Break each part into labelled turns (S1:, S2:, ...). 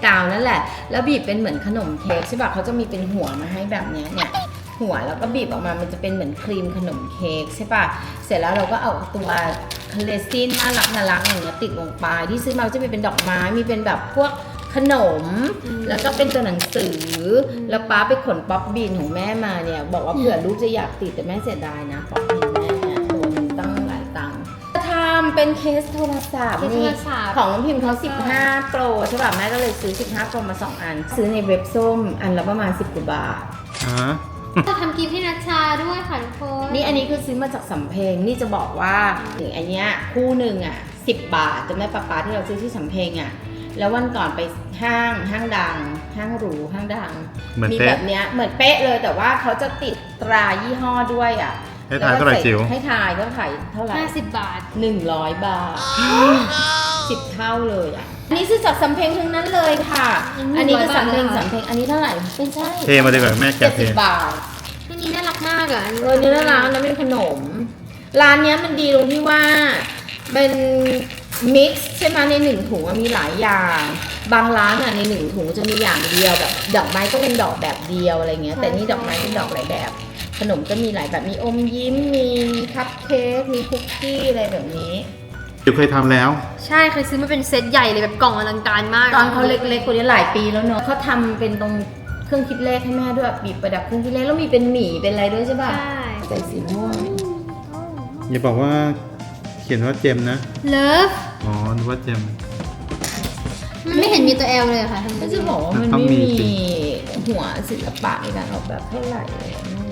S1: กาวนั่นแหละแล้วบีบเป็นเหมือนขนมเค้กใช่ป่ะเขาจะมีเป็นหัวมาให้แบบเนี้ยเนี่ยหัวแล้วก็บีบออกมามันจะเป็นเหมือนครีมขนมเค้กใช่ป่ะเสร็จแล้วเราก็เอาตัวเรซินน่ารักอย่างเงี้ยติดลงไปที่ซื้อมาจะมีเป็นดอกไม้มีเป็นแบบพวกขนมแล้วก็เป็นตัวหนังสือแล้วป้าไปขนป๊อปบีนของแม่มาเนี่ยบอกว่าเผื่อลูกจะอยากติดแต่แม่เสียดายนะป๊อปบีนแม่เนี่ยตัวนึงตั้งหลายตังค์ทำเป็นเคสโทรศัพท์นี่ของน้องพิมพ์เขา15 Pro ใช่ป่ะแม่ก็เลยซื้อ15 Proมา2 อันซื้อในเว็บส้มอันละประมาณ10 กว่าบาท
S2: จะทำกิฟต์ให้นัชชาด้วยค่ะทุกคน
S1: นี่อันนี้คือซื้อมาจากสำเพ็งนี่จะบอกว่าถึงอันเนี้ยคู่หนึ่งอ่ะ10 บาทจำได้ป้าที่เราซื้อที่สำเพ็งอ่ะแล้ววันก่อนไปห้างดังห้างหรูห้างดังมีแบบเนี้ยเหมือนเป๊ะเลยแต่ว่าเขาจะติดตรายี่ห้อด้วยอ่ะ
S3: ให้ทายเท่าไหร่จิ๋ว
S1: ให้ทายก็ขายเท่าไหร่
S2: 50 บาท
S1: 100 บาท10 เท่าเลยอ่ะอันนี้ซื้อจากสำเพ็งทั้งนั้นเลยค่ะอันนี้คือสำเพ็งอันนี้เท่าไหร่ไม่ใช่
S3: เทมาดีกว่าแม่แกะเท
S1: 70 บาท
S2: อันนี้น่ารักมากอ่ะ
S1: นี่น่ารักนะเป็นขนมร้านนี้มันดีตรงที่ว่าเป็นมิกซ์ใช่ไหมใน1 ถุงมีหลายอย่างบางร้านอ่ะใน1 ถุงจะมีอย่างเดียวแบบดอกไม้ก็เป็นดอกแบบเดียวอะไรเงี้ยแต่นี่ดอกไม้เป็นดอกหลายแบบขนมก็มีหลายแบบมีอมยิ้มมีคัพเค้กมีคุกกี้อะไรแบบนี้
S3: จิ๋วเคยทำแล้ว
S2: ใช่เคยซื้อมาเป็นเซตใหญ่เลยแบบกล่องอลังการมาก
S1: ตอนเขาเล็กๆคนนี้หลายปีแล้วเนอะเขาทำเป็นตรงเครื่องคิดเลขให้แม่ด้วยบีบประดับเครื่องคิดเลขแล้วมีเป็นหมี่เป็นอะไรด้วยใช่ป่ะ
S2: ใช่
S1: ใส่สีม่วง
S3: อย่าบอกว่าเขียนว่าเจมนะ
S2: เลิฟ
S3: อ๋อนึกว่าเจม
S2: มันไม่เห็นมีตัวแอลเลยค่ะ
S1: ก็จะบอกว่ามันไม่มีหัวศิลปะในการออกแบบเท่าไหร่เลย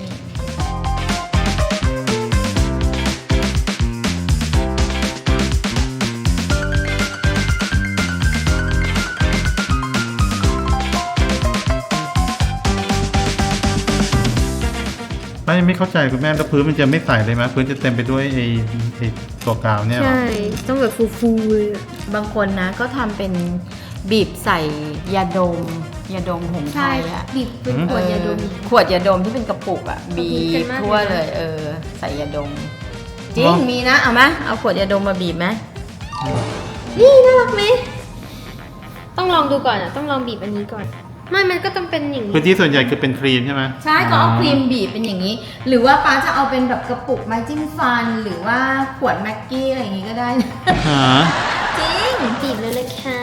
S3: ไม่เข้าใจคุณแม่แล้วพื้นมันจะไม่ใสเลยไหมพื้นจะเต็มไปด้วยไอ้ตัวกาวเนี่ย
S2: ใช่ต้องแบบฟูๆเลย
S1: บางคนนะก็ทำเป็นบีบใส่ยาดมของไทยอ่ะ
S2: บีบเป็นขวดยาดม
S1: ที่เป็นกระปุกอ่ะบีบทั่วเลยใส่ยาดมจริงมีนะเอาไหมเอาขวดยาดมมาบีบไหม
S2: นี่น่ารักไหมต้องลองดูก่อนอ่ะต้องลองบีบอันนี้ก่อนมันก็ต้องเป็นอย่างนี้
S3: พื้นที่ส่วนใหญ่คือเป็นครีมใช่ไหม
S1: ใช่ก็เอาครีมบีบเป็นอย่างนี้หรือว่าป้าจะเอาเป็นแบบกระปุกไม้จิ้มฟันหรือว่าขวดแม็กกี้อะไรอย่างนี้ก็ได้จริง
S2: บีบเลยค่ะ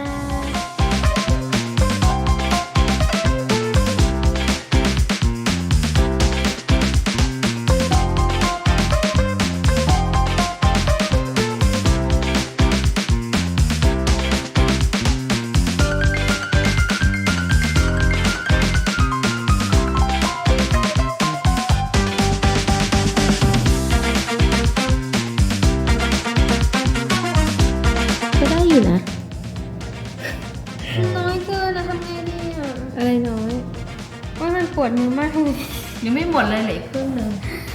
S2: น้อยเกินนะทำไงดีอ่ะ
S1: อะไรน้อย
S2: ว่ามันปวดมือมากเลย
S1: ยังไม่หมดเลยเหลือครึ่งนึง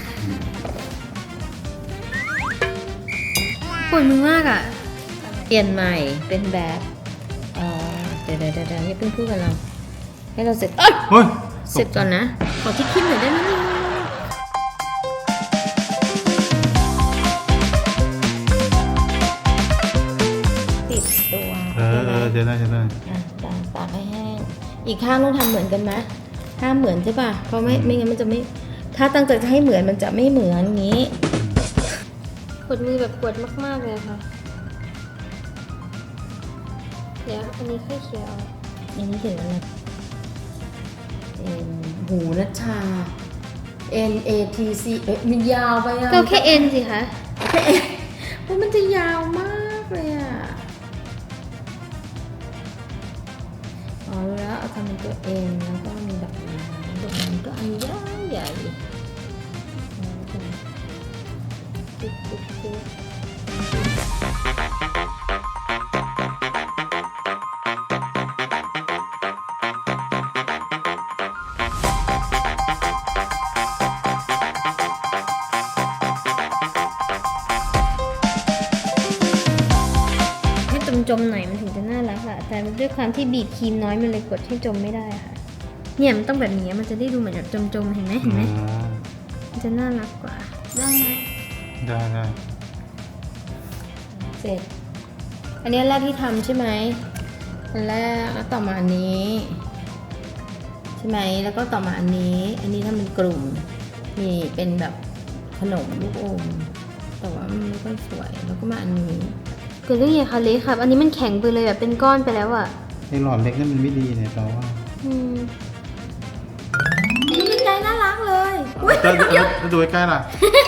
S2: ปวดมือมากอ่ะ
S1: เปลี่ยนใหม่เป็นแบบเดี๋ยวอย่าเพิ่งพูดกับเราให้เราเสร็จเสร็จก่อนนะขอที่คิดหน่อยได้ไหมติดตัว
S3: จะได้
S1: ตากให้แห้งอีกข้างต้องทำเหมือนกันไหมถ้าเหมือนใช่ป่ะเพราะไม่งั้นมันจะไม่ถ้าตั้งใจจะให้เหมือนมันจะไม่เหมือนงี้
S2: ปวดมือแบบปวดมากๆเลยค่ะเดี๋ยวอันนี้ค่อยเขียน
S1: อันนี้เขียนอะไรหูนัชชา NATC มันยาวไปอ่ะ
S2: ก็แค่ N สิคะ
S1: แค่ N เพราะมันจะยาวมากเลยอ่ะรู้แล้วเอาทำเป็นตัว N แล้วก็มีดอกไม้ก็อันใหญ่
S2: จมหน่อยมันถึงจะน่ารักอะแต่ด้วยความที่บีบครีมน้อยมันเลยกดให้จมไม่ได้ค่ะเนี่ยมันต้องแบบนี้มันจะได้ดูเหมือนแบบจมเห็นไหมมันจะน่ารักกว่าได้ไหม
S3: ได้
S1: เสร็จอันนี้แรกที่ทำใช่ไหมอันแรกแล้วต่อมาอันนี้ใช่ไหมแล้วก็ต่อมาอันนี้ทำเป็นกลุ่มนี่เป็นแบบขนมลูกอมแต่ว่ามันไม่ค่อยสวยแล้วก็มาอันนี้
S2: เกิดเรื่องใหญ่ค่ะเล็กครับ อันนี้มันแข็งไปเลยแบบเป็นก้อนไปแล้วอ่ะ
S3: ไอ้หลอดเล็กนั่นมันไม่ดีเนี่ยเราว่า
S1: นี่เป็นไงน่ารักเลย
S3: จะดูใกล้ๆล่ะ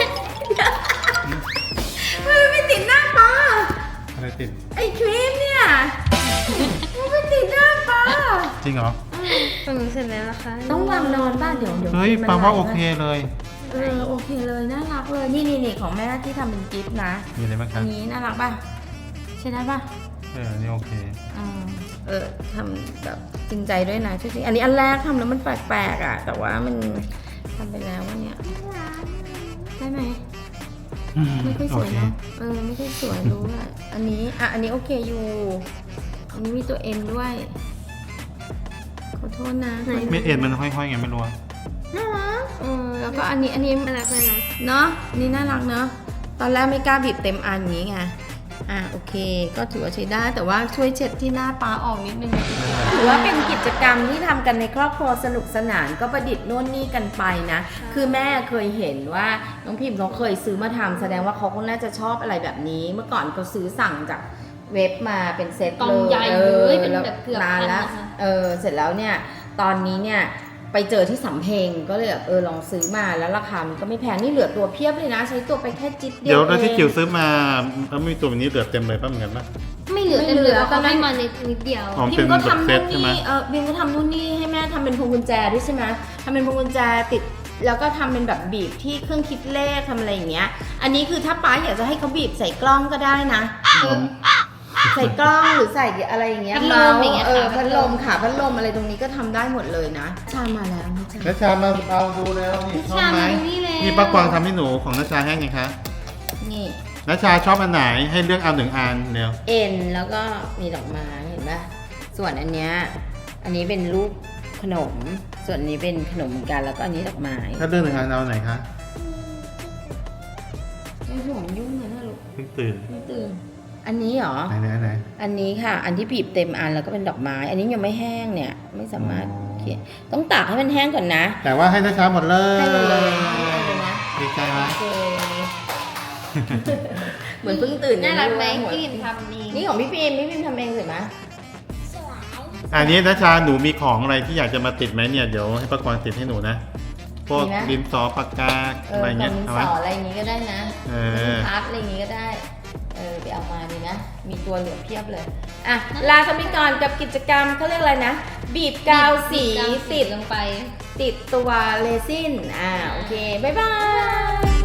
S1: มันไม่ติดหน้าปลา
S3: อะไรติด
S1: ไอ้ครีมเนี่ยมันไม่ติดหน้าปลา
S3: จริงเหรอ
S2: ฟังหนูเสร็จแล้วนะคะ
S1: ต้องวางนอนบ้านเดี๋ยว
S3: เฮ้ย
S1: มัน
S3: ปาว่า
S1: ไหล
S3: โอเคเลย
S1: โอเคเลยน่ารักเลยนี่ของแม่ที่ทำเป็นกิฟต์นะ
S3: มีอะไรบ้างค
S1: อั
S3: รับ
S1: นนี้น่ารักป่ะใช่ได้ป่ะ
S3: นี่โอเค
S1: ทำแบบจริงใจด้วยนะจริงๆอันนี้อันแรกทำแล้วมันแปลกๆอ่ะ แต่ว่ามันทำไปแล้วว่าเนี่ยได้ไหมไม่ค่อยสวยเนาะไม่ค่อยสวยรู้อ่ะอันนี้โอเคอยู่ อันนี้มีตัวเอ็นด้วยขอโทษนะ
S3: ไม่เอ็นมันห้อยๆไงไม่รู้อะ
S1: น่ารักแล้วก็อันนี้
S2: น่ารักน่ารัก
S1: เนาะอันนี่น่ารักเนาะตอนแรกไม่กล้าบีบเต็มอันนี้ไงโอเคก็ถือว่าใช้ได้แต่ว่าช่วยเช็ดที่หน้าป้าออกนิดนึงถือว่าเป็นกิจกรรมที่ทำกันในครอบครัวสนุกสนานก็ประดิษฐ์โน่นนี่กันไปนะคือแม่เคยเห็นว่าน้องพิมพ์เขาเคยซื้อมาทำแสดงว่าเขาก็น่าจะชอบอะไรแบบนี้เมื่อก่อนเขาซื้อสั่งจากเว็บมาเป็นเซ็ต
S2: กล่องใหญ่เลยเป็น
S1: แล้ว
S2: แบบเกือบ
S1: นาน
S2: พัน
S1: แล้ว
S2: นะคะ
S1: เสร็จแล้วเนี่ยตอนนี้เนี่ยไปเจอที่สำเพ็งก็เลยแบบลองซื้อมาแล้วราคามันก็ไม่แพงนี่เหลือตัวเพียบเลยนะ ใช้ตัวไปแค่จิ๊ดเดียว
S3: เดี๋ยวแล้วที่
S1: เอง
S3: จิ๋วซื้อมาแล้วไม่มีตัวนี้เหลือเต็มเลยป่ะเหมือนกันป่ะ
S2: ไม่เหลือ
S1: ไม่
S2: เต็ม
S1: เห
S2: เห
S1: ลื
S2: ลื
S1: อ
S2: อ
S1: ตอนนั้น
S2: ให้มาในนิดเดียว
S3: อ๋อ
S1: พิมก็ทำ
S3: เป็น
S1: นู่น
S3: แบบเซ็ตใช่ไหม
S1: นี่พิมก็ทำนู่นนี่ให้แม่ทำเป็นพวงกุญแจด้วยใช่ไหมทำเป็นพวงกุญแจติดแล้วก็ทำเป็นแบบบีบที่เครื่องคิดเลขทำอะไรอย่างเงี้ยอันนี้คือถ้าป้าอยากจะให้เขาบีบใส่กล้องก็ได้นะใส่กล้องหรือใส่อะไรอย่างเงี้ย
S2: พัดลมอย่างเงี้ยค่ะ
S1: พัดลมค่ะพัดลมอะไรตรงนี้ก็ทำได้หมดเลยนะชามาแล้วนะจ๊ะ
S3: นัชชามาเอาดูแล้วนี่ชอบไหม
S2: นัชชามาดูนี่แล้ว
S3: นี่ป้ากวางทำให้หนูของนัชชาให้ไงคะ
S1: นี่
S3: นัชชาชอบอันไหนให้เลือกเอาหนึ่งอันเดียว
S1: เอ็นแล้วก็มีดอกไม้เห็นปะส่วนอันเนี้ยอันนี้เป็นรูปขนม ส่วนนี้เป็นขนมเหมือนกันแล้วก็อันนี้ดอกไม้
S3: ถ้าเลือกหนึ่งอันเอาไหนคะ
S1: ไอ้หัวมันยุ่งเลยนะลูก
S3: เพิ่งตื่น
S1: ไม่ตื่นอันนี้เหรอ
S3: ไหน
S1: อันนี้ค่ะ อันที่บีบเต็มอันแล้วก็เป็นดอกไม้ อันนี้ยังไม่แห้งเนี่ย ไม่สามารถเขียนต้องตากให้มันแห้งก่อนนะ
S3: แต่ว่าให้นัชชาหมดเลย
S1: ให้หมดเลยให้หมดเลยนะ
S3: ดีใจไหม
S1: โอเค เหมือนเพิ่งตื่น
S2: น่ารักไหม
S1: หัว
S2: พี่พิมทำเอง
S1: นี่ของพี่พิมทำเองเสร็จไหม
S3: อันนี้นัชชาหนูมีของอะไรที่อยากจะมาติดไหมเนี่ยเดี๋ยวให้ป้ากวางติดให้หนูนะพวกดินสอปากกาอะไรเงี้ย
S1: ของ
S3: เอา
S1: ส
S3: ไหม
S1: ออะไรอย่างงี้ก็ได้นะ
S3: เออ
S1: พัดอะไรอย่างงี้ก็ได้ ไปเอามาดีนะ มีตัวเหลือเพียบเลย อ่ะ ลากันไปก่อนกับกิจกรรมเขาเรียกอะไรนะ บีบกาวสีติด
S2: ลงไป
S1: ติดตัวเรซิน โอเค บ๊ายบาย